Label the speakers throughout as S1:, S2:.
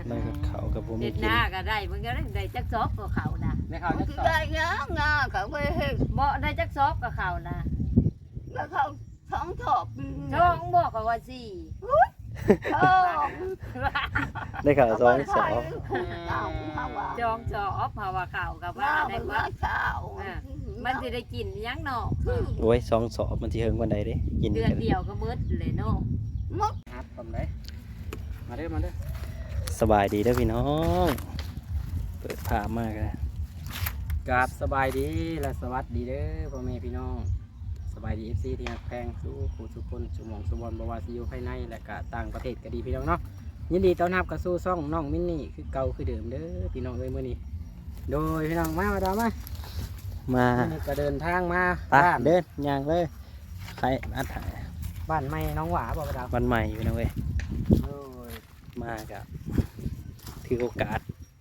S1: ได้กับเขากับผม
S2: เฮ็ด
S1: กิ
S2: ห
S1: น
S2: น้าก็ได้มันก็ได้จักซอบกับเขานะ
S3: ไม่เข้าจักสอบ
S4: ได้งาเขาไปเห็น
S2: บ่ได้จักซอบกับเขานะ
S4: แล้วเขาท้องถอบ
S2: ช่องบอกเขาว่าสี่
S4: ท้อง
S1: ได้ข่าวสองสอบ
S2: จองจอบเพราะว่าเขากับว่า
S4: ว่า
S2: ได้
S4: มัน
S2: ว่า
S4: ว่าเช้า
S2: มันสิได้กินยังเนาะ
S1: โอ้ยสองสอบมันสิเฮิงวันใดเด้กิน
S2: เดือ
S1: กัน น
S2: เดียวก็หมดเลยเนาะ
S4: มด
S3: ครับผมเลยมาเด้อมาเด้อ
S1: สบายดีเด้อพี่น้องเปิดภาพมากเลย
S3: กราบสบายดีและสวัสดีเด้อพ่อแม่พี่น้องสบายดี FC ที่ฮักแพงสู้ผู้สุคนสุหมองสุบอนบ่ว่าสิอยู่ภายในและก็ต่างประเทศก็ดีพี่น้องเนาะยินดีต้อนรับกับสู่ช่องน้องมินนี่คือเก่าคือเดิมเด้อพี่น้องเอ้ยมื้อนี้โดยพี่น้องมาดามมา
S1: มา
S3: มื้อนี้ก็เดินทางมา
S1: ปะ
S3: บ้าน
S1: เดินย่างเลยใครอัดถ่าย
S3: บ้านใหม่น้องหวาบ่ดาว
S1: วันใหม่อยู่นะเว้ย
S3: โดย
S1: มากับถือโอกาส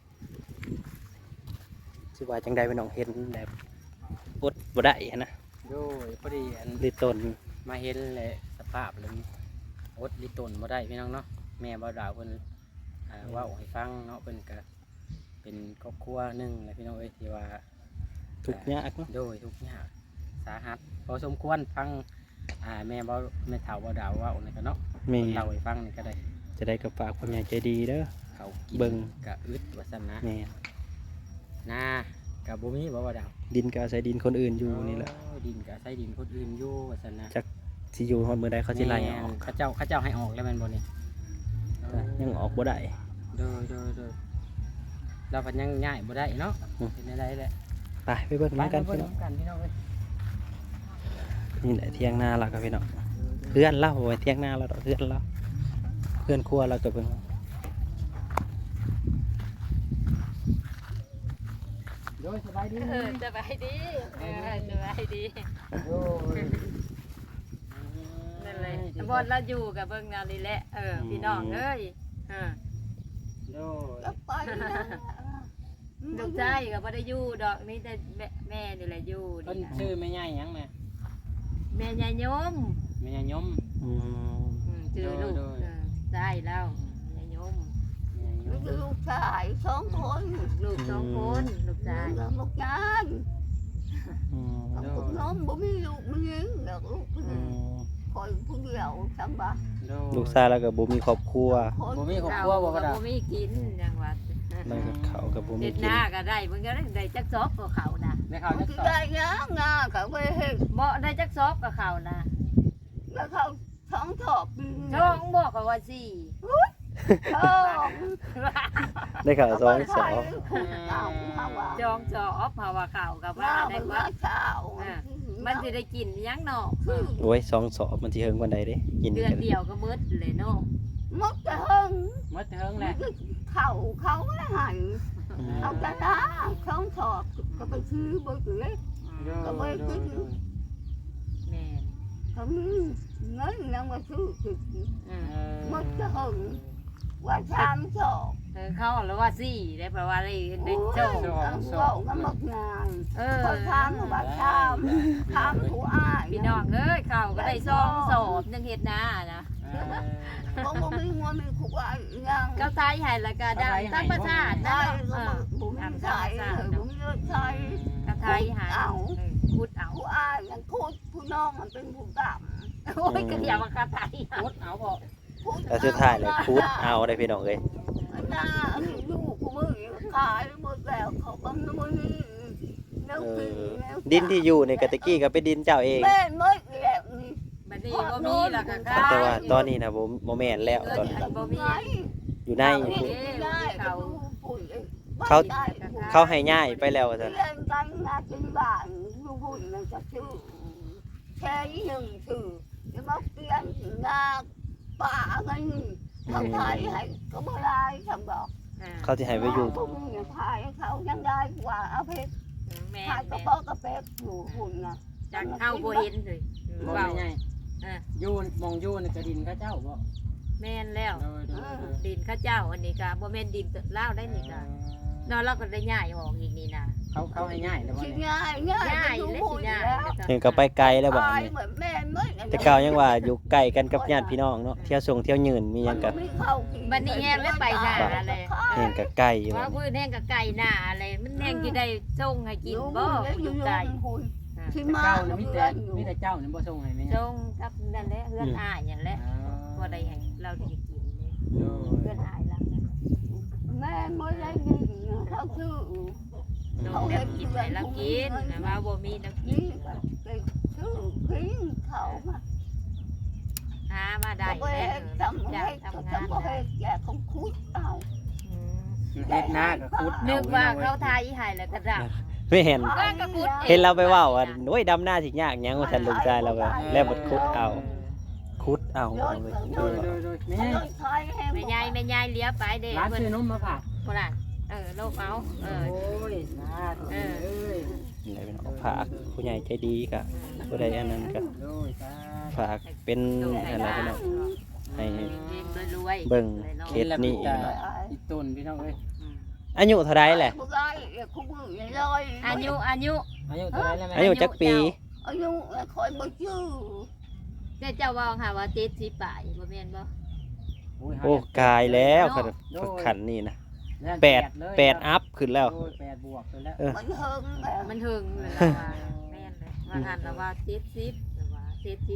S1: สิว่าจังใดพี่น้องเห็นแบบอดบ่ได้นะ
S3: โดยพอดีอัน
S1: ลิตน
S3: มาเห็นเลยสภาพเลยอดลิตนบ่ได้พี่น้องเนาะแม่บ่ดาวเพิ่นเว่าให้ฟังเนาะเพิ่นก็เป็นครอบครัวหนึงแหละพี่น้องเอ้ยที่ว่า
S1: ทุกข์ยากเนาะ
S3: โดยทุกอย่างสาหัสพอสมควรฟังแม่เฒ่าบ่ดาวเว่านี่ก็เนาะ
S1: แม่
S3: เล่าให้ฟังนี่ก็ได้
S1: จะได้กับฝากความใหญ่ใจดีเด้อ
S3: เขากิน
S1: เบิ่ง
S3: กะอึดว่าซั่นนะ
S1: แม่
S3: นากะบ่มีบ่ดาว
S1: ดินก็อาศัยดินคนอื่นอยู่นี่แหละ
S3: โอ้ดินกะใช้ดินคนอื่นอยู่ว่าซั่นนะ
S1: สิอยู่ฮอดมื้อใดเขาสิไล่ออก
S3: เขาเจ้าให้ออกแล้วแม่นบ่นี่
S1: ยังออกบ่ได้
S3: โดยเราพันยังง่ายบ่ได้เนาะ
S1: อืม
S3: เป็นอะไรแหละ
S1: ไปไปเบิ่งน้ำกัน
S3: ไป
S1: พี่
S3: เบิ่
S1: น้อง
S3: งกันพี่น้องเอ้ย
S1: นี่แหละเที่ยงนาเรากับพี่น้องเพื่อนเล่าไว้เที่ยงนาเราดอกเพื่อนเล่าเพื่อนครัวเรากับเพิ่ง
S3: โดยสบายดี
S2: สบายดีสบายดี
S3: โดย
S2: นั่นเลยบอนเราอยู่กับเบิ่งนาลีแหละพี่น้องเอ้ย
S3: โดย
S4: แล้วไปนะ
S2: ลูกชายก็บ่ได้อยู่ดอกนี่แต่แม่นี่แหละอยู่
S3: เพิ่น
S2: นี่นะ
S3: ชื่อแม่ใหญ่หยังแม่
S2: แม่ยายยม
S3: แม่ใหญ่ยม
S1: อืม
S2: ชื่อลูกได้แล้วยายยม
S3: แม่ใหญ่ยม
S4: ลูกชายสองคน
S2: ลูกสองคนลูกชาย
S4: แล้วลูกชาย
S1: อืม
S4: กับคุณน้องบ่มีลูกมีหญิงแล้วลูก
S1: อืม
S4: คอยผู้เดียวสบาย
S3: โดย
S1: ลูกชายเรากับบุมีครอบครัว
S3: บ่มีครอบครัวบ่กระดาษ
S2: บ่มีกินจังหวัด
S1: เรากับเขากับบุมี
S2: เฮ็ด
S1: กิ
S2: ห
S1: น
S2: น้าก็ได้มันก็ได้จักซอบกับเขานะ
S3: แม่เขาจักสอบ
S4: ได้งาเขาไปเห็น
S2: บ่ได้จักซอบกับเขานะ
S4: แล้วเขาท้องถอบ
S2: ช่องบอกเขาว่าสี่
S4: ท้อง
S1: ได้ข่าวสองสอบ
S2: จองจอบเพราะว่าเขากับว่า
S4: ว่า
S2: ได้
S4: มัน
S2: ว่า
S4: ว่าเช้า
S2: มันสิได้กินยังเนาะ
S1: โอ้ยสองสอบมันสิเฮิงวันใดเด้กิน
S2: เดือน
S1: กัน
S2: เดียวก็หมดเลยเนาะ
S4: มดจะเฮิง
S3: หมดเทิงแหละ
S4: เขาไม่หัน
S1: อืม
S4: เอาแต่ละท้องถอบก็ไปซื้อบ่ถือ
S3: โดยโดยโดย
S2: แม่
S4: เขามีเงินยังมาซื้อติด มดจะหึงว่าชามโศก
S2: เขาหรือว่าสี่ได้เพราะว่าได้โชค
S4: โศกก็มักงาน
S2: อ
S4: พอชามว่าชามผู้อ้าย
S2: พี่น้องเอ้ยเขาก็ได้ซองสอบยังเฮ็ดหน้านะ
S4: บ่บ่มีงัวมีผู้อ้ายยัง
S2: ก็ไทยให้แล้วก็ดังทั้งประชาตินะ
S4: ได้
S2: เนาะ
S4: ก็บ่มีใช้บ่มีใช้
S2: ก็ไทยให้พูดเอา
S4: ผู้อ้ายยังพูดผู้น้องมันเป็นผู้ต่
S2: โอ้ยก็เดี๋ยวมาคาไทย
S3: หมดเอาบ่
S4: ำ
S1: แต่สุดท้ายเลยพูดเอาได้พี่น้องเอ้ย
S4: น้าลูกกูมือขายหมดแล้วเขาบังมือแล้ว
S1: เอ
S4: กิน
S1: อ
S4: แล้ว
S1: ดินที่อยู่ในกะตะกี้ก็เป็นดินเจ้าเอง
S4: แม่ไม่แล้วนี่
S2: บัดนี้บ่มีแล้วก็ขาย
S1: แต่ว่าตอนนี้นะผมโมแมนแล้วตอนนี้
S2: บ่มี
S1: อยู่ใน
S4: เขา
S1: เขาให้ง่ายไปแล้วจ้ะ
S4: เล่นกันงานเป็นบ้านลูกหุ่นมันจะชื่อแค่หนึ่งชื่อจะมาเปลี่ยนงาป่ากันทำไทยให้ก็ไม่ได้ทำบอก
S1: เขาที่ให้ไปอยู่
S4: พวกมึงเนี่ยพายเขายังได้กว่าเอาเพชร
S2: แม่
S4: พายกระเป๋ากระเป๊กอยู่หุ่นนะ
S2: จักเข้าบ่เห็นเลย
S3: บ่
S2: เว้า
S3: ใหญ่ยูนมองยูนกระดินเขาเจ้าบ่
S2: แม่นแล้ว
S3: โดยโดยโดย
S2: ดินข้าเจ้าอันนี้ก็บ่แม่นดินลาวได้นี่ก็เนาะเราก็ได้ย้ายออกอีกนี่นะ
S3: เขาให้ง่ายแล้วบ่
S4: ชิ
S3: เนี่ย
S4: ง่าย
S2: ย้าย
S4: ดู
S2: และ
S4: หุ่
S2: สิ
S4: น
S2: ย้าย
S4: แล้ว
S1: เพิ่นก็ไปไกลแล้วบัด
S4: พาย
S1: นี้
S4: เหมือนแม่ไม่
S1: แต่เก่ายังว่าอยู่ใกล้กันกับญาติพี่น้องเนาะเที่ยวส่งเที่ยวยืนมีหยังก็
S2: บัดนี้แฮงแล้วไปหน้าเลย
S4: ข
S1: กับไก่
S2: ว่า
S1: บัด
S2: พื้
S1: นี้
S2: นแห้งกับไก่หน้าอะไรมันแห้งที่ได้ส่งให้กินบ่อยู่ไก่
S4: ที่
S3: แต่
S4: มา
S3: เจ้าน่ะ
S4: เพื่
S3: มีแต่
S4: อนอยู่
S3: มีแต่เจ้านี่บ่ส่งให้แม่
S2: ส่งกับนั่นแหละเพื่อนอ้ายนั่นแหละบ่ได้ให้เราได้กินเลยเพื่อนอ้ายเรา
S4: แม่ไม่ได้ยินเขาชื่อ
S2: โดนแนวกินให้เรากินนะว่าบ่มีน้ำกิน
S4: นี่ก็ชื่อพิงเขามา
S2: หามาได้
S4: ก็ไป
S2: แล้ว
S4: ทำ
S2: จ้า
S4: ให้
S2: ทำ
S4: ทำ
S2: งาน
S4: ให้แกเขาคุดเอา
S3: เฮ็ดหน้าก็ขุด
S2: นึกว่าเขาทายให้แล้วก็ดับ
S1: ไม่เห็น
S2: ก็กระกุด
S1: เห็นเราไปเว้าว่าโอ้ยดำหน้าสิยากหยังว่าท่านลูกชายเราก็แล้วบัดคุดเอาคุดเอาเอาไป
S3: โดยแม่
S4: เขาใช้ให้
S2: แม่ยายแม่ยายเลี้ยไปเด้
S3: ร้าน
S2: เพิ่น
S3: ซื้อนมมาฝาก
S2: พุ่นน่ะโลกเอา
S3: โอ้ยสาธุเอ้ย
S1: นี่เป็นเอาฝากผู้ใหญ่ใจดีก็ผู้ใดอันนั้นก็
S3: โดยสาธุ
S1: ฝากเป็นอะไรพี่น้องให้
S2: รวยๆ
S1: เบิ่งเคสนี้
S3: อีต้นพี่น้องเอ้ย
S1: อายุเท่าใดแหละ
S2: อายุ
S3: อายุเท่าไหร่แล้วแม่
S1: อายุจักปี
S4: อายุคอยบ่ชื่อ
S2: เนี่ยเจ้าว่าค่ะว่า70ป่ายบ่แม่นบ่
S1: โอ้กายแล้วขันนี่นะแปดอัพขึ้นแล้ว
S3: โอ้ย8บวกไปแล้ว
S4: มันเฮิงแบบ
S2: มันถึงเลยล่ะว่าแม่นเลยว่าหันแล้วว่า70แต่ว่า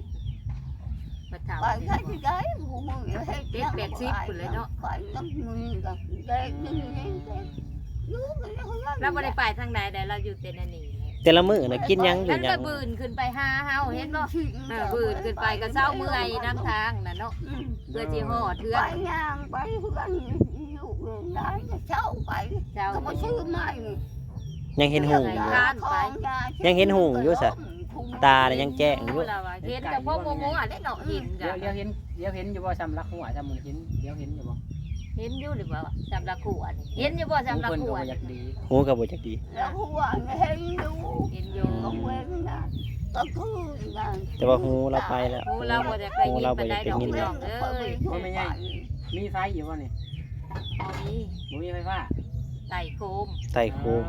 S2: 70บ่ถาม
S4: ไปใช้ที่ได้กูมึงให้
S2: เด็ก80พุ่นเลยเนาะ
S4: ไปน้ำมือกับเด็กนี่อยู่กันแล้ว
S2: เราบ่ได้ไปทางใดใดเราอยู่แต่นั่นนี่แหละ
S1: แต่ละมื้อน่ะกินหยังอยู่
S2: แล้ว
S1: หยั
S2: ก็
S1: ง
S2: บืนขึ้นไปหาเฮาเห็นบ่บืนขึ้นไปก็เศร้าเมื่อยน้ำทางน่ะเนาะเพื่อสิฮอดเทือ
S4: ไป
S2: น
S4: ย่างไปเพื่อนอยู่เรื่องได้เช้าไป
S2: เจ้า
S4: ก็มาชื่อใหม่
S1: ยังเห็นหูอยู่ ยังเห็นหูอยู่ซะ ตาเนี่ยยังแจ้งอยู่
S2: เราว่าเห็นแต่พวกโมๆอ่ะได้เนาะเห็น
S3: เดี๋
S2: จ้ะ
S3: ยวเห็นอยู่บ่สำลักหัวสำมือเห็นเดี๋ยวเห็นอยู่บ่
S2: เห็นอยู่หรือเปล่าสำหรับขวดเห็นอยู่บ่สำหรับ
S3: เพิ่น
S2: ข
S3: ก็
S2: ว
S3: บ่
S2: ด
S3: อยากดี
S1: หูก็บ่จักดี
S4: แล้วหัวเห็นอยู่
S2: เห็นอยู่
S4: ก็เว้นนะก็คือนะ
S1: แต่ว่าหูเราไปแล้ว
S2: หูเราบ่ได้ไปยินปานใดดอกพี่น้องเอ้ย
S3: มีไฟอยู่บ่นี่
S2: บ่มี
S3: บ่มีไฟฟ้า
S2: ไต่โคม
S1: ไต่โคม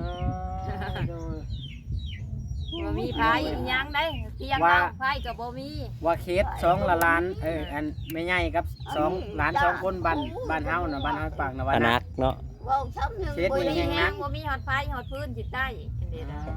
S2: บ่มีไผยังได้เตียงเอาไผก็บ่มี
S3: ว่าเคส2ละล้านอันแม่ใหญ่กับ2ล้าน2คนบ้านเฮาน่ะบ้านเฮาปากนว
S1: อ
S3: นะ
S1: นักเนาะ
S4: ว่าช้ำหนึ่ง
S3: เช็ด
S2: บ่
S3: นี่
S2: มีแฮงบ่มีฮอดไผฮอดพื้นสิใต้จังได๋ล่ะ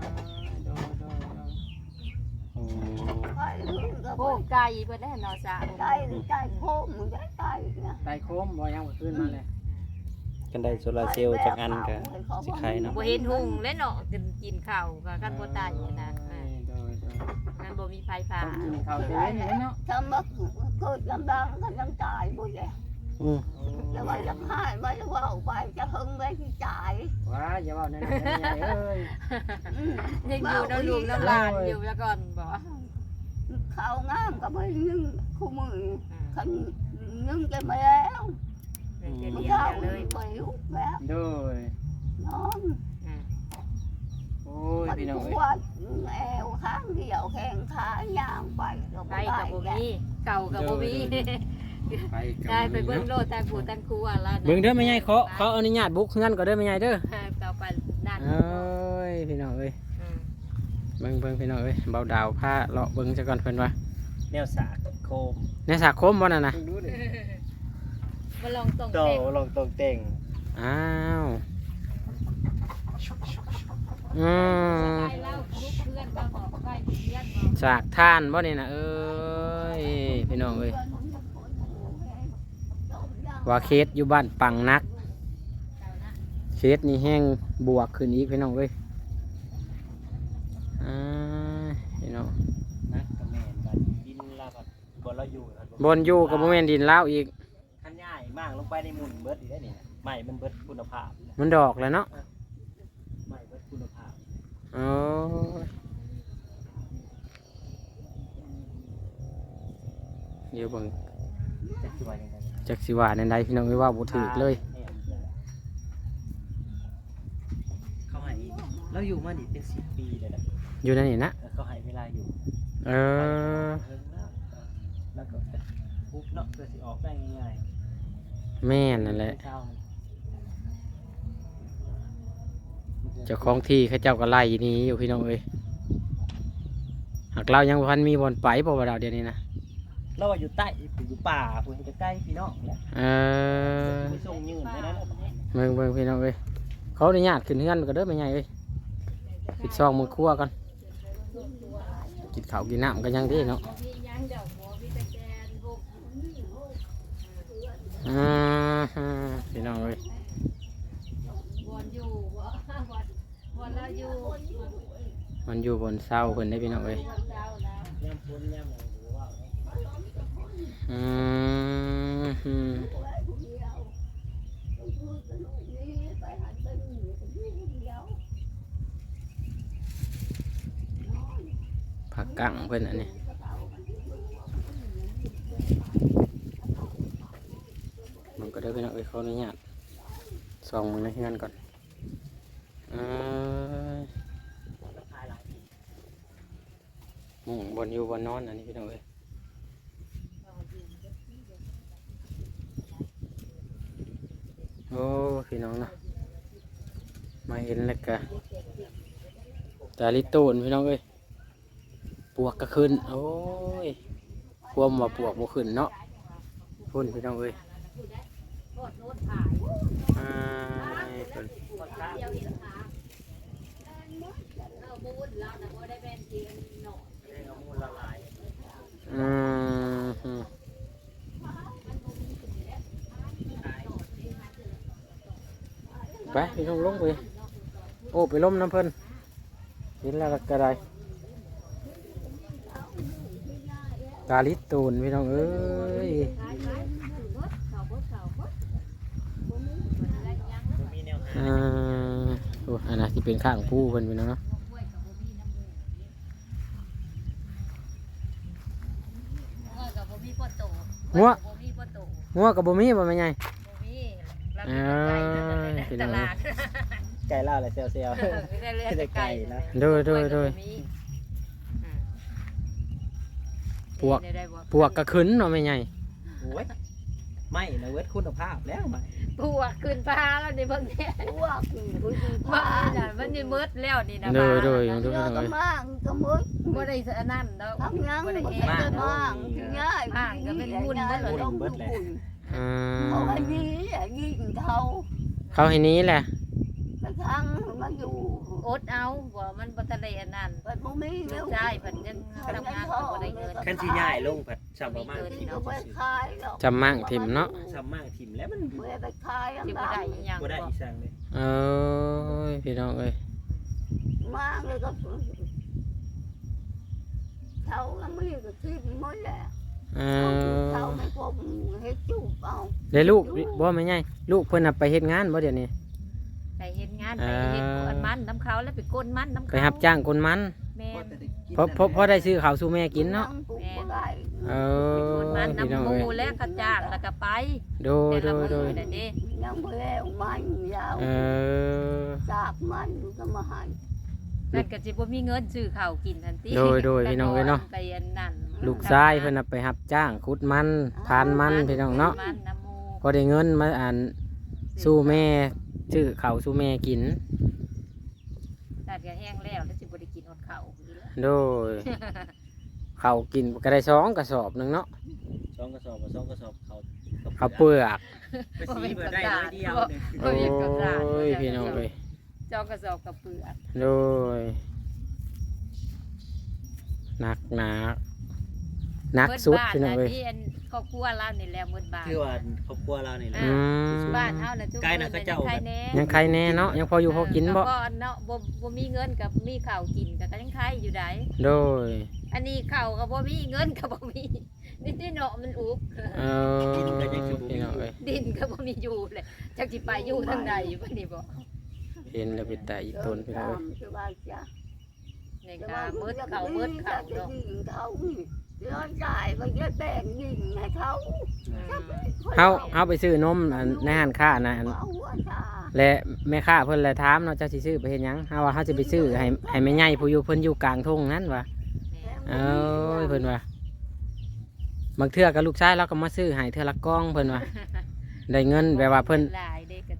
S1: อืม
S2: โอ้ไก่เพิ่นได้เนาะซะ
S4: ได้ได้โค้งมึงได้ได้นะ
S3: ไตโคมบ่ยังบ่ขึ้นมาเลย
S1: กันได้โซลาร์เซลล์จากอันก็สิใครเนาะ
S2: บ่เห็นหุ่งเลยเนาะกินข้าวก็กันบ่ตายนะนั่นบ่มีไฟฟ้า
S3: ต้องกินข้าวเย็นนี่เนาะ
S4: ถ้ามาเกิดลำบากก็ยังตายบ่ได้
S1: อืม
S4: แต่ว่าจะให้ไม่ว่าไปจะหึงไม่ที่จ่าย
S3: ว้าอย่าเว้านั่นใหญ่เอ้ย
S2: ยังอยู่น้ำลูกน้ำหลานอยู่แล้วก่อนบ่
S4: ข้าวงามก็ไม่นึ่งคู่มือขันนึ่งจะไม่แล้ว
S2: จะ
S4: มัน
S2: เลี้ย
S4: ข้าว
S2: ง
S4: เล
S2: เลย ย
S4: ไปลุกแล้ว
S3: โดย
S4: นอน
S3: โอ้ย
S4: มัน
S3: พี่น้อง
S4: ป
S3: เอ้ยว
S4: ดแอวข้างเดียวแข้งขาย่างไปก็
S2: ไป
S4: ไม่ได้
S2: กับบ่มีเก่ากับบ่มี
S3: ไป
S2: ได้ไปเบิ่งโลดทางผู้ทางครัวแล้ว
S3: เบิ่งเด้อแม่ใหญ่ขออนุญาตบุกเฮือนก่อนเด้อแม่ใหญ่เด้อ
S2: เก่าไปนั่น
S3: เอ้ยพี่น้องเอ้ยเบิ่งพี่น้องเอ้ยเบาดาวพาเลาะเบิ่งซะก่อนเพิ่นว่า
S1: แนวสากโคม
S3: ในสาคมบ่นั่นน่ะ
S2: มาลองตรง
S1: โต
S2: เต็ง
S1: ลงตรงเต่ง
S3: อ้าวอืม
S2: ไปเล่าลูกเพื่อนก็บอกไปเพื่อนบอก
S3: สากท่านบ่นี่น่ะเอ้ยพี่น้องเอ้ยว่าเคสอยู่บ้านปังนัก เคสนี่แห้งบวกขึ้นอีกพี่น้องเอ้ยพี่น้อง
S1: นักกับแม่นบัดดินลาบัดบนเราอยู่
S3: บนอยู่กับบ่แม่นดินลาวอีก
S1: คันง่ายมากลงไปในหมุนเบิดอีกได้นี่ใหม่มันเบิดคุณภาพ
S3: มันดอกแล้วเนาะ
S1: ใหม่เบิดคุณภาพ
S3: โอ้ยเดี๋ยวเบิ่ง
S1: จะสิว่ายังไง
S3: จักสิว่าในใดพี่น้องเอ้ยว่าบ่ถูกเลย
S1: เขาให้เราอยู่มานี่เป็น10 ปีเลยนะ
S3: อยู่ในนี่นะ
S1: เขาให้เวลาอยู่
S3: เออ
S1: เพิ่งแล้วก็ปุ๊บเนาะเพื่อสิออกได้ง่าย
S3: แม่นนั่นแหละ
S1: เช้า
S3: เจ้าของที่เขาเจ้าก็ไล่หนี้อยู่พี่น้องเอ้ยหากเรายังบ่ทันมีบ่อนไปบ่ว่าเราเดี๋ยวนี้นะ
S1: เราว่าอยู่ใต้อยู่ป่าคุณจะใกล้พี่น้องแหละ
S3: เออ
S1: ไปส่งยืนได้แล้ว
S3: เบิ่งพี่น้องเอ้ยเขาอนุญาตขึ้นเฮือนก็เด้อแม่ใหญ่เอ้ยปิดซองมือครัวก่อนกินข้าวกินน้ำกันยังดีเนาะพี่น้องเอ้ย มันอยู่บนเสาเพิ่นได้พี่น้องเอ้ยผักกังเพิ่นอันนี้มันก็ได้พี่น้องเอ้ยเขาอนุญาตส่องมือในเฮือนก่อนบนอยู่บนนอนอันนี้พี่น้องเอ้ยโอ้พี่น้องเนาะมาเห็นแล้วกะตาลิโตนพี่น้องเอ้ยปวกก็ขึ้นโอ้ยความว่าปวกบ่ขึ้นเนาะพุ่นพี่น้องเอ้ยไปพี่น้องลงไปโอ้ไปล้มน้ำเพิ่นเห็นแล้วก็ได้ตาลิตูนพี่น้องเอ้ยโอ้อันนั้นที่เป็นข้างผู้เพิ่นพี่น้องเนาะงัวกับบ่มีบ่แม่ใหญ่
S2: ตลาด
S1: ไก่เล่าอะไรเซลเซล
S2: ได้ไก่นะ
S3: โดยปวกกระขึ้นเนาะไม่ใหญ่
S1: โอ้ยไม่นะเวทคุณภาพแล้วไม่
S2: ปวกขึ้นฟ้าแล้วนี่เบิ่งเนี่ย
S4: พวกผู้หญิง
S2: บ้า
S4: บ้าน
S2: น่ะมันนี่มืดแล้วนี่นะ
S3: โดย
S4: เยอะก็มากก็มืด
S2: บ่ได้อันนั้นดอก
S4: ทำยัง
S2: บ่ได้
S4: บ่
S2: แอ
S4: ได้
S2: ร์
S4: มากง่ายต้องบุญ เขาให้นี้ยิงเขา
S3: เขาให้นี้แหละ
S4: กระทั่งมาอยู่
S2: อดเอาบ่มันบ่ทันได้อันนั้น
S4: เปิดมุ้งนี้แล้ว
S2: ใช่เพิ่นยังทำงานก็บ่ได้เงิน
S1: ขั้นที่ใหญ่ลงผัดสับประมาณ
S4: ที่ก็ไปขายแล้ว
S3: จำมั่งถิ่มเนาะ
S1: สับมากถิ่มแล้วมัน
S4: เมื่อไปขาย
S2: สิบ่ได้อีหยัง
S1: บ่ได้
S2: บ่
S1: อีสังเลย
S3: เออพี่น้องเอ้ย
S4: มากเลยก็เขาไม่ก็คิดหมดแหละ เขาไม่พบเฮ็ดจูบเอา
S3: เดี๋ยวลูกบ่ไม่ใหญ่ลูกเพิ่นน่ะไปเฮ็ดงานบ่เดี๋ยวนี้
S2: ไปเฮ็ดงานไปเฮ็ดกวนมันน้ำเขาแล้วไปก้นมันน้ำเขา
S3: ไปรับจ้างคนมัน
S2: แม่น
S3: เพราะได้ซื้อข้าวสู่แม่กินเนาะเอ
S2: ไปก้
S3: อน
S2: มัน
S3: พี่น้อง
S2: น้ำห
S3: เอ้ย
S2: มูและกระจ้างแล้วก็ไป
S3: โดย
S2: แต่ละมื้อน่ะเด้
S4: ยังไม่แล้วมันยาว
S3: เออ
S4: จากมันก็มาให้
S2: นั่นก็สิบ่มีเงินซื้อข้าวกินทันที
S3: โดยพี่น้องเอ้ยเนาะ
S2: ไปอันนั้น
S3: ลูกชายเพิ่นน่ะไปรับจ้างขุดมันพานมันพี่น้องเนาะ
S2: มันน้ำหมู
S3: พอได้เงินมาสู้แม่ซื้อข้าวสู้แม่กิน
S2: ตัดก็แห้งแล้วแล้วสิบ่ได้กินฮอดข้าวอีกแล้ว
S3: โดย ข้าวกินก็ได้2กระสอบหนึงเนาะ
S1: 2 กระสอบ2 กระสอบเขา
S3: ข้าวเปลือก
S1: ไปสีเบิดได้เลยเดียว
S3: โอ้ยพี่น้องเอ้ย
S2: จอกกระสอบกับเปลือก
S3: โดยหนักสุดพี่น้องเอ้ย
S2: ที่อันครอบครัวเรานี่แหละหมดบ้าน
S1: คือว่าครอบครัวเรานี่แหละ
S3: อืม
S2: บ้านเฮาน่ะทุก
S1: ไกลน่ะเขาเจ้า
S2: ใครแน่
S3: ยังใครแน่เนาะยังพออยู่พอกินบ่
S2: ก็เนาะบ่มีเงินกับมีข้าวกินก็ยังใครอยู่ได้
S3: โดย
S2: อันนี้ข้าวก็บ่มีเงินก็บ่มีนี่เนาะมันอุบ
S3: เออพี่น้องเอ้ย
S2: ดินก็บ่มีอยู่เลยจักสิไปอยู่ทางใดอยู่บัดนี้บ่
S3: เห็นแล้วเป็นแต่อีต้นพี่น้องเอ้ย
S4: สบายจ้ะ
S2: นี่ก็มืดข้าวเนาะ
S4: เขาย้อนจ่ายไปเยอะแต่งยิงให้เขา
S3: เฮาไปซื้อนมอันในห้านค้านะอัน
S4: เอาหัวชา
S3: และแม่ค้าเพิ่นเลยถามเนาะเจ้าสิซื้อไปเฮ็ดหยังเฮาว่าเฮาสิไปซื้อให้แม่ใหญ่ผู้อยู่เพิ่นอยู่กลางทุ่งนั้นว่ะเอ้ยเพิ่นว่าบางเทื่อกับลูกชายเราก็มาซื้อให้เทื่อละกล่องเพิ่นว่าได้เงินแบบว่าเพิ่น
S2: หลายเด้ก็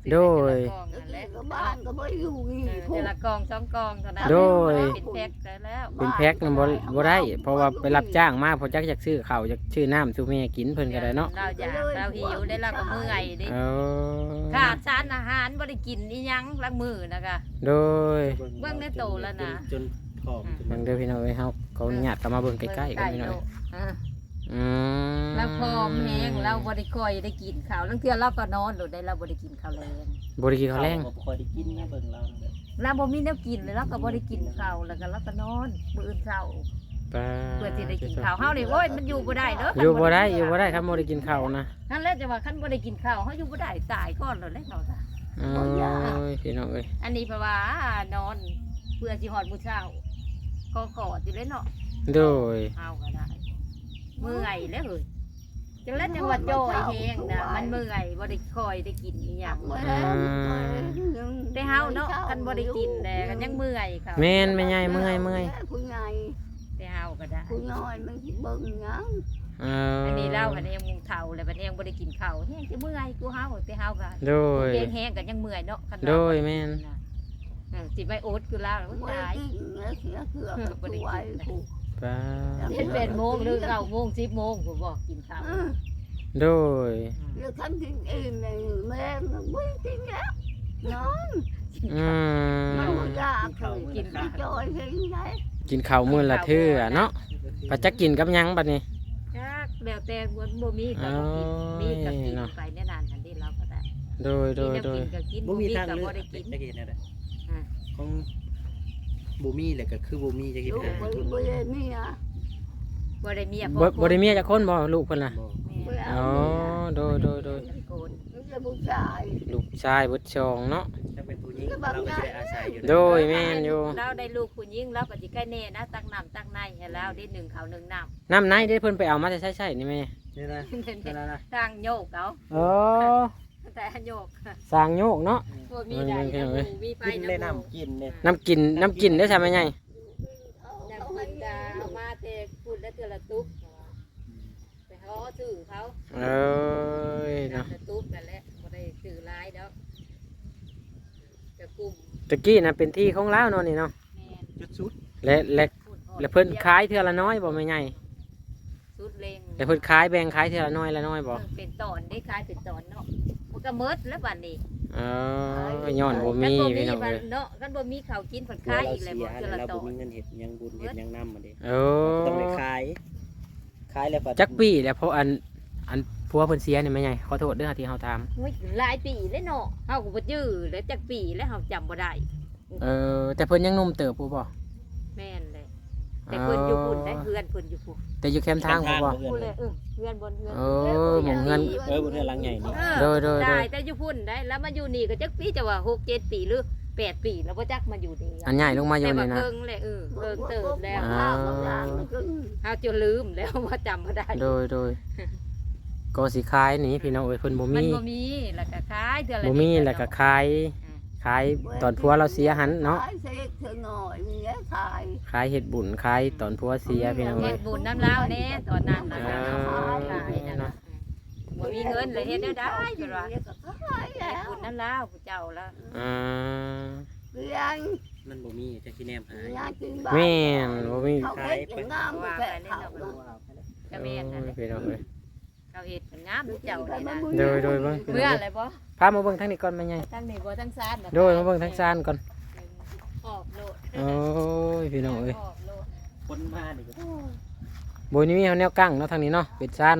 S1: โดย
S2: กองนั่นแหละ
S4: ก็บ้านก็ไม่อยู่นี่
S2: เจละกอง2กองเท่านั้น
S1: โดย
S2: เป็นแพ็คได้แล้ว
S1: เป็นแพ็คนั่นบ่ได้ เพราะว่าไปรับจ้างมาเพอจักอยากซื้อข้าวอยากซื้อน้ำซื้อแม่กินเพิ่นก็ได้เนาะ
S2: เราอยากเราหิวได้เราก็เมื่อยเด้
S1: เออ
S2: ขาดสารอาหารบ่ได้กินอีหยังลักมือนะคะ
S1: โดย
S2: เบิ่งในโตแล้วนะ
S3: จนผอมจน
S1: เบิ่งเด้อพี่น้องเอ้ยเฮาเขาอนุญาตเข้ามาเบิ่งใกล้ๆกันพี่น้องเอ้ย
S2: อ่า
S1: อืม
S2: เราพร้อมแฮงเราบ่ได้ค่อยได้กินข้าวลางเทื่อเราก็นอนโดดได้เราบ่ได้กินข้าวแลง
S1: บ่ได้กินข้าวแรง
S3: บ่ค่อยได้กินนะเบิ่งเราเนี่ย
S2: เราบ่มีแนวกินเลยเราก็บ่ได้กินข้าวแล้วก็เราก็นอนมื้ออื่นเช้า
S1: ป้า
S2: เพื่อสิได้กินข้าวเฮานี่โอ้ยมันอยู่บ่ได้เด้อ
S1: อ
S2: อ
S1: ยู่บ่ได้อยู่บ่ได้ครับบ่ได้กินข้าวนะ
S2: นั่นแหละจะว่าคันบ่ได้กินข้าวเฮาอยู่บ่ได้ตายก่อนแล้วแหละเนาะจ้ะ
S1: โอ้ยพี่น้องเอ้ย
S2: อันนี้เพราะว่านอนเพื่อสิฮอดมื้อเช้าก็กอดอยู่เลยเนาะ
S1: โดย
S2: เอาก็ได้เมื่อยแล้วเฮ้ยจังแล้วจังว่าจ่อยแฮงนะมันเมื่อยบ่ได้คอยได้กินอีหยังแต่เฮาเนาะคันบ่ได้กินแต่ก็ยังเมื่อยค่ะ
S1: แม่นแม่ใหญ่เมื่อย
S4: ผู้ใหญ่
S2: แต่เฮาก็ได้
S4: ผู้น้อยมันสิเบิ่งหยัง
S1: เออ
S2: อันนี้เล่ากันเองมุงเฒ่าแล้วบัดนี้ยังบ่ได้กินข้าวแฮงสิเมื่อยกูเฮาแต่เฮาก็
S1: โดย
S2: เก่งแฮงก็ยังเมื่อยเนาะคัน
S1: โดยแม่น
S2: สิไปโอ๊ตคือลาวแล้ว
S4: บ่
S2: ตาย
S4: ได้กินแล้วเสียเกือบตัวไว้ผู้
S1: ป้า
S2: เฮ็ดเป็นโมงหรือ9โมง10โมงผมบอกกินข้าว
S1: โดย
S4: แล้วทำกินอิ่มเลยแม่มันไม่กินแล้วนอน
S1: อืม
S4: มันบ่อยากเลยกินไปจอยเห็นไหม
S1: กินข้าวมื้อละเทื่อเนาะปัจจักกินกับหยังบัดนี้
S2: จักแล้วแต่บ่มีก็บ่กินมีก็กินไปแน่นานอันนี้เราก็ได้
S1: โดย
S2: มีแนวกินก็กิน
S3: บ่มีทาง
S2: ก็
S3: เลือ
S2: บ่
S3: ก
S2: ได้กิน
S3: จะกินอะไร
S2: อ่า
S3: ของบ่มีแหละก็คือบ่มีจะกิน
S4: ลูก
S3: อะไร
S4: บ่บ่ได้เมีย
S2: บ่ได้เมีย
S1: บ่ได้เมียจักคนบ่ลูกเพิ่นน่ะ
S3: บ่
S4: บ่ได้
S1: อ๋อ
S4: เมีย
S1: โดย
S2: โกน
S4: มันจะผู้ชาย
S1: ลูกชายเบิดชองเนาะ
S3: ถ้าเป็นผู้หญิงเราก็จะได้อาศัยอยู่
S1: โดยแม่นอยู่
S2: เราได้ลูกผู้หญิงเราก็สิใกล้แน่นะตักน้ำตักในให้แล้วได้1ข้าว1น้ำ
S1: น้ำไหนเด้เพิ่นไปเอามาแต่ใช่ๆนี่แม่
S3: นี่นะนี่นะ
S2: ทางโยกเอา
S1: อ๋อ
S2: แต่โยก
S1: สร้างโยกเนาะ
S2: บ่มีใดนะมีไป
S3: กิน
S2: นะ
S3: เลยน้ำกินเนี่ย
S1: น้ำกินได้ใช่ไหมไง
S2: น้ำกินดาเอามาแต่พูดแล้วเทื่อละตุ๊กไปขอซื้อเขา
S1: เอ้ยเนาะ
S2: น้ำละตุ๊กนั่นแหละบ่ได้ซื้อหลายดอกจะกลุ่ม
S1: ตะกี้น่ะเป็นที่ของลาวเนาะนี่เนาะ
S2: แม่น
S3: จุดสุด
S1: และเพิ่นขายเทื่อละน้อยบ่แม่ไง
S2: สุดเลง
S1: และเพิ่นขายแบ่งขายเทื่อละน้อยบ่
S2: เป็นตอนได้ขายเป็นตอนเนาะมันก็เมิดแล้วบัดนี้
S1: เออย้อนบ่มีพี่น้อง
S2: บั
S1: เอ้
S2: ด
S1: ย
S2: เนาะกันบ่มีข้าวกินเพิ่น
S3: ตัว
S2: ขาย
S3: เรา
S2: อีกเลย
S3: เสี
S2: บ่
S3: ย
S2: เทื่อ
S3: แล้ว
S2: ละ
S3: เรา
S2: ตอ
S3: บ่
S2: น
S3: มีเงินเห็ดยังบุญเห็ดยังน้ำมาดิ
S1: โอ้
S3: ต้องไปขายแล้ว
S1: จักปีแล้วเพราะอันผัวเพิ่นเสียนี่แม่ไงขอโทษเด้อที่เฮาถาม
S2: โอ้ยหลายปีแล้วเนาะเฮาก็บ่จื้อแล้วจักปีแล้วเฮาจำบ่ได้
S1: แต่เพิ่นยังหนุ่มเติบผู้บ่
S2: แม่นเลยแต่เพิ่นอยู่พุ่นได้เพื่อนเพิ่นอยู่พุ่น
S1: แต่อยู่แคมป์ทางผู้บ่
S2: พุ่นเลยเพื่อนบนเพื่อน
S1: เออหมู่เงิน
S3: บนเรือหลังใหญ่นี่
S1: โดย
S2: ได้แต่อยู่พุ่นได้แล้วมาอยู่นี่ก็จักปีจะว่า6 7ปีหรือ8ปีแล้วบ่จักมาอยู่นี่
S1: อันใหญ่ลงมาอยู่
S2: แต่ว่า
S1: นี่นะ
S2: เพิ่งเลยเพิ่งเติบแล้ว
S1: อ่า
S2: เฮาจนลืมแล้วว่าจำบ่ได้
S1: โดยก็สิขายนี่พี่น้องเอ้ยเพิ่นบ่
S2: มัน
S1: มี
S2: บ่มีแล้วก็ขายเดือนละ
S1: บ่มีแล้วก็ขายตอนผัวเราเสียหันเนาะ
S4: ขายเสกเธอหน่อยมีแล้วขาย
S1: ขายเฮ็ดบุญขายตอนผัวเสียพี่น้อง
S2: เฮ็
S1: เอ้ย
S2: ดบุญน้ำลาวแน่ตอนนั้นน่ะ
S1: อ่า
S2: ขายนั่นน่ะบ่มีเงินเลยเฮ็ดได้ได้เพิ่นว่า
S4: เดี๋ยวก็ขาย
S2: เฮ็
S4: แล้
S2: ด
S4: ว
S2: บุญน้ำลาวผู้เจ้าละ
S1: อ่า
S4: เรียน
S3: มันบ่มีจะขี้แนมหาย
S4: งานกินบ้าน
S1: แม่นบ่มี
S4: เขาเฮ็ดอย่างงามบ่แก่เขา
S2: ก็แม่นนั่นแหละ
S1: พี่น้องเอ้ย
S2: เขาเฮ็ดเป็นงามผู้เจ้าเลยนะ
S1: โดยเบิ่ง
S2: เมื่ออะไรบ่
S1: พามาเบิ่งทางนี้ก่อนแม่ใหญ่
S2: ทั้งนี้บ่ทั้งซาน
S1: โดยมาเบิ่งทางซานก่อน
S2: ออกโลด
S1: โอ้ยพี่น้องเอ้ย
S2: ออกโลด
S3: คนมานี่ก็
S1: บ่นี่มีแนวกั้งเนาะทางนี้เนาะเป็นซาน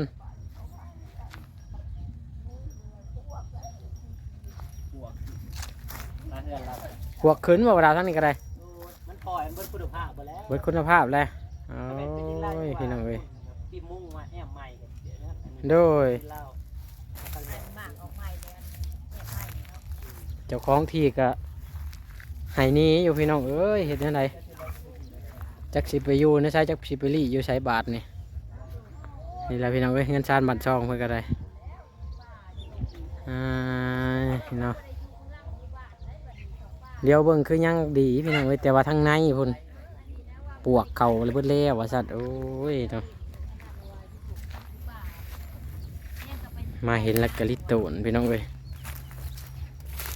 S3: ลาเฮือนเรา
S1: พวกขึ้นบ่ว่าดาวทางนี้ก็ได้
S3: มันปล่อยมันเบิดคุณภาพไปแล้ว
S1: เบิดคุณภาพแล้วโอ้ยพี่น้องเอ้ย
S3: ปีมุ่งมาแอมใหม่กันเดี๋ยวนะ
S1: โดย
S3: เหล้า
S2: หมากออกใหม่แล้วเนี่ยใหม่เนาะ
S1: เจ้าของที่ก็ให้หนี้อยู่พี่น้องเอ้ยเฮ็ดจังไดจักสิไปอยู่ในไสจักสิไปลี่อยู่ไสบาทนี่นี่แหละพี่น้องเอ้ยเงินซานบัตรซองเพิ่นก็ได้พี่น้องเดี๋ยวเบิ่งคือยังดีพี่น้องเอ้ยแต่ว่าทางในพุ่นปวกเข่าเลยเบิดแล้วว่าซั่นโอ้ยเนาะมาเห็นแล้วก็ลิโตนพี่น้องเอ้ย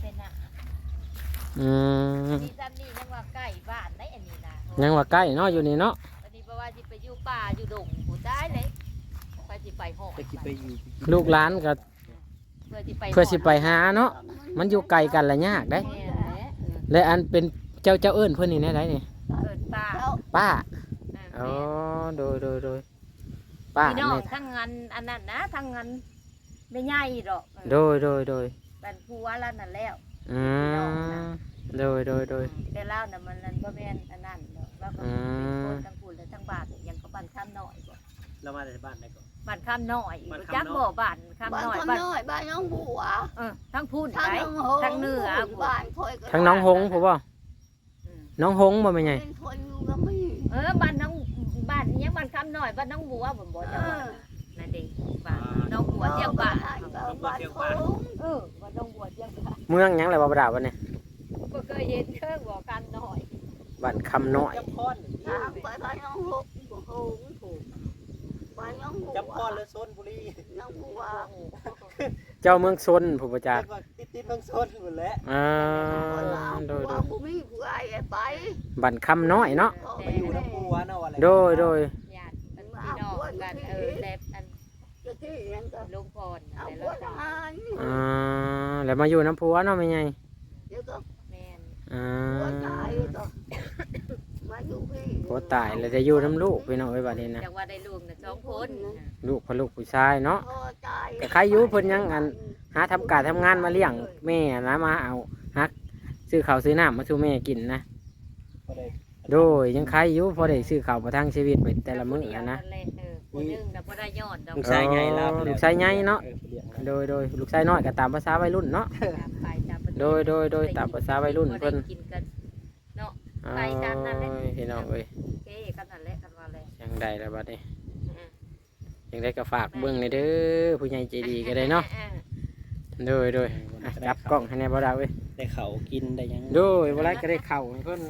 S2: น่ะ
S1: อืม
S2: นี่ซ้ำนี่ยังว่าใกล้บ้านได้อันนี้นะ
S1: ยังว่าใกล้เนาะอยู่นี่เนาะ
S2: อันนี้เพราะว่าสิไปอยู่ป่าอยู่ดงผู้ตายเลยไปสิไปหอด
S3: จะคิดไปอยู่
S1: ลูกหลานก็
S2: เพื่อสิไป
S1: เพื่อสิไปหาเนาะมันอยู่ไกลกันละยากได้
S2: แม่นแหละ
S1: และอันเป็นเจ้าเอิ้นเพิ่นนี่แน่ไดนี่
S2: เกิดป่า
S1: ป้า
S2: เอ
S1: อ๋อ
S2: อ
S1: โดยป้า
S2: พี่น้อง
S1: แม่
S2: ทั้งงานอันนั้นนะทั้งงานไม่ใหญ่ดอก
S1: โดย
S2: เป็นผัวแล้วนั่นแล้ว
S1: อืมโดย
S2: แต่เล่าน่ะมันนั่นบ่แม่นอันนั้นดอกแล้วก็เป็นคนทั้งพูดและทั้งบ้านยังก็บ้านข้ามน้อยบ่
S3: เรามาจากบ้านไหนก่อน
S2: บ้านข้ามน้อย
S3: บ้าน
S2: รู้
S3: ข้าม
S2: จัก
S3: น้อย
S2: บ่บ้านข้าม
S4: บ้าน
S2: น้อย
S4: คน
S2: บ้าน
S4: น้อยบ้านน้องบัว
S2: ทั้งพูด
S4: ทาง
S2: ไป
S4: น้องหง
S2: ทั้งเหนือ
S4: บ้านคอยก็
S1: ทั้งน้องหงผู้บ่
S2: อืม
S1: น้องหงบ่แม่นไง
S4: เป็นคนอยู่ก็ไม่
S2: บ้านน้องบ้านยังบ้านข้ามน้อยบ้านน้องบัวบ่บ่จังหวัดนั่นเด้บ้านน้องบัวเจียงบ้าน
S4: บ้านคง
S2: บ้านน้องบัวเจียงบ้าน
S1: เมืองหยังแหละบ่ประดาวันนี้
S2: บ่เคยเห็นเครื่องบ่กันน้อย
S1: บ้านคำน้อย
S3: จำพร
S4: ทางไปบ้านน้องหงถูกบ้านน้องบัว
S3: จำพรหรือโซนบุรี
S4: น้องบัว
S1: เจ้าเมืองซนผู้ประจักษ์
S3: ติดเมืองโซนหมดแล้ว
S1: โดย
S4: บัวมีผู้ใหญ่ไป
S1: บ้านคำน้อยเนาะ
S3: ไปอยู่น้ำปูวะเนาะอะไร
S1: โดย
S2: ญาติพี่น้องกันแต่อัน
S4: จะที่ยังก็
S2: ลุงพร
S4: เอา
S2: แต่
S4: บัว
S2: ละ
S4: ทหาร
S1: แล้วมาอยู่น้ำพัวเนาะแม่นไง
S4: เดี๋ยวก็
S2: แม่น
S4: บัวตายก็มาอยู่พี่
S1: ผัวตายแล้วจะอยู่น้ำลูกพี่น้องไว้บัดนี้นะ
S2: จังว่าได้ลูกน่ะ2คน
S1: ลูกพ่อลูกผู้ชายเนาะ
S4: พ่อตาย
S1: แต่ใครอยู่เพิ่นยังอัน หาทำการทำงานมาเลี้ยงแม่นะมาเอาฮักซื้อข้าวซื้อน้ำมาสู่แม่กินนะ โดยยังใครอยู่พอได้ซื้อข้าวประทังชีวิตไปแต่ละมื้อนะ
S2: ผู้นึงน่ะบ่ได้ยอดดอก
S3: ลูกชายใหญ่แล้ว
S1: ลูกชายใหญ่เนาะ โดยลูกชายน้อยก็ตามภาษาวัยรุ่นเนาะ
S2: ไปตามประเทศ
S1: โดยตามภาษาวัยรุ่นเพิ่น
S2: บ่ได้กินกันเนาะ ไปตามนั้นแหละ
S1: โอ้ยพี่น้องเอ้ย
S2: โอเคกันนั่นแหละกันว่าแหละ
S1: ยังได้แล้วบัดนี้
S2: อืม
S1: ยังได้ก็ฝากเบิ่งในอยเด้อผู้ใหญ่ใจดีก็ได้เนาะโดยอ่ะจับกล้องให้แน่บ่ดาวเว้ย
S3: ได้เขากินได้ยัง
S1: โดยบ่ไรก็ได้เข้าให้เพิ่น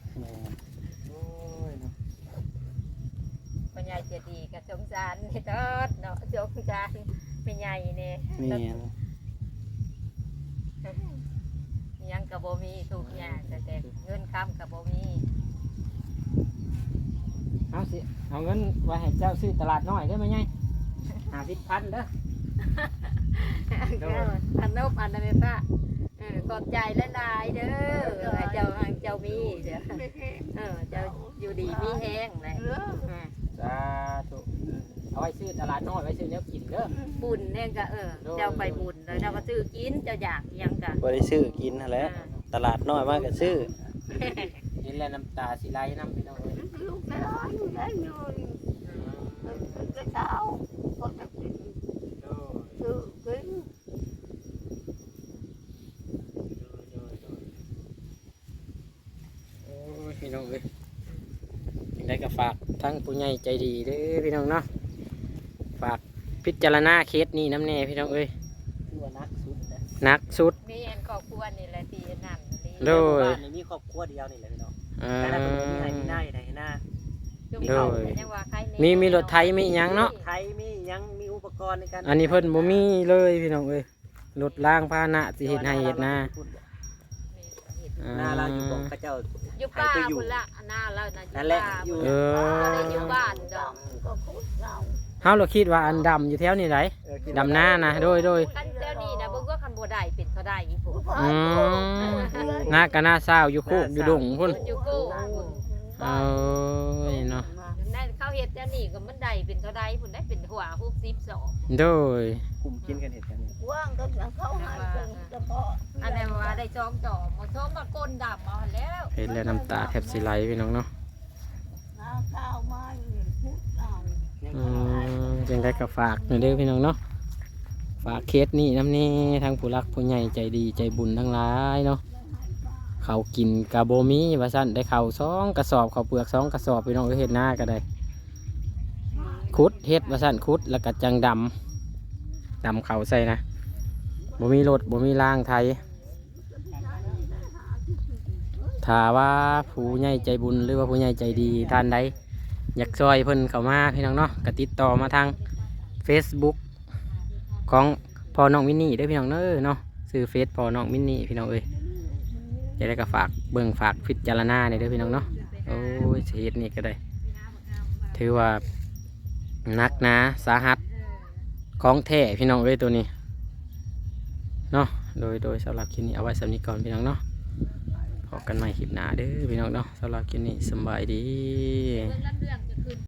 S2: พ่อใหญ่เจดีก็สงสารนี่ตอดเนาะสงสารแม่ใหญ่นี่
S3: นี่
S2: ยังก็บ่มีทุกอย่างแต่เงินค้ำก็บ่มี
S1: เอาเงินไว้ให้เจ้าซื้อตลาดน้อยได้ไหมไง50,000เด้อ
S2: อันนบอันนั้นแม่ป้าขอบใจหลายๆเด้อให้เจ้ามีเด้อเจ้าอยู่ดีมีแห้งเลย
S1: สาธุเอาไว้ซื้อตลาดน้อยไว้ซื้อแนวกินเด้อ
S2: บุญเนี่ยก็เจ้าไปบุญเลยเจ้าก็ซื้อกินเจ้าอยากยังก็
S3: บ่ได้ซื้อกินนั่นแหละตลาดน้อยมากก็ซื้อ
S1: กินแล้วน้ำตาสิไหลน้ำพี่น้องเอ้ย
S4: ลูกไม่ร้อนอยู่ได้เลยก็เช้าก็จะกินซื้อกิน
S1: โอ้ยพี่น้องเอ้ยยังได้ก็ฝากทั้งผู้ใหญ่ใจดีเด้อพี่น้องเนาะฝากพิจารณาเคสนี้น้ำแน่พี่น้องเอ้ย
S3: คือว่านักสุดนะ
S1: หนักสุด
S2: มีอันครอบครัวนี่แหละที่นั่นนี่
S1: โดย
S3: บ้านนี้มีครอบครัวเดียวนี่แหละพี่น้องแต่ถ้าเป็นมีให้มีหน้าให้หน้า
S2: จุ่มเขายังว่าใคร
S1: มีรถไถมีหยังเนาะ
S3: ไทยมียังมีอุปกรณ์ในการ
S1: อันนี้เพิ่นบ่มีเลยพี่น้องเอ้ยรถล้างพาหนะสิเฮ็ดให้เฮ็ดนา
S3: หน้าเราอยู่บ่พระเจ้า
S2: อยู่ป้าคุณละหน้าเรานะ
S3: นั่นแหละอยู่
S1: เออ
S2: ก็ได้อยู่บ้านดอก
S4: ก็คุดเรา
S1: เฮาเราคิดว่าอันดำอยู่แถวนี้ไหนดำหน้านะโดย
S2: กันเจ้านี่นะเบิ่งว่าคันบ่ได้เป็นเขาได้อีกพุ่น
S1: อืมหน้าก็หน้าเศร้าอยู่โคกอยู่ดงพุ่น
S2: อยู่กู้
S1: เอ้ยเนาะ
S2: นั่นเขาเฮ็ดเจ้านี่ก็มันได้เป็นเขาได้พุ่นได้เป็นหัว62
S1: โดย
S3: กลุ่มกินกันเห็ดกันนี่
S4: ว่างก็เขาให้เป็นเฉพาะ
S2: อันนั้นว่าได้จองจอกมาชมมาก้นดำเอาแล้ว
S1: เห็นแล้วน้ำตาแทบสิไหลพี่น้องเนาะ
S4: น้าข้าวมาคุดเรา
S1: จังได้ก็ฝากหน่อยเด้อพี่น้องเนาะฝากเคสนี้น้ำนี่ทั้งผู้รักผู้ใหญ่ใจดีใจบุญทั้งหลายเนาะเขาวกินกะโบมีว่าซั่นได้ข้าว2 กระสอบข้าวเปลือก2 กระสอบพี่น้องเอ้ยเฮ็ดหน้าก็ได้ขุดเฮ็ดว่าซั่นขุดแล้วก็จังดำข้าวใส่นะบ่มีรถบ่มีล่างไทยถ้าว่าผู้ใหญ่ใจบุญหรือว่าผู้ใหญ่ใจดีท่านใดอยากช่วยเพิ่นเข้ามาพี่น้องเนาะก็ติดต่อมาทาง Facebook ของพ่อน้องวินนี่เด้อพี่น้องเนาะซื้อเฟซพอน้องมินนี่พี่น้องเอ้ยจะได้ก็ฝากเบิ่งฝากพิจารณาในอยเด้อพี่น้องเนาะโอ้ยเฮ็ดนี่ก็ได้ถือว่านักนะสาหัสของแท้พี่น้องเอ้ยตัวนี้เนาะโดยสำหรับคลิปนี้เอาไว้สำนี้ก่อนพี่น้องเนาะพบกันใหม่คลิปหน้าเด้อพี่น้องเนาะสำหรับคลิปนี้สำบายดี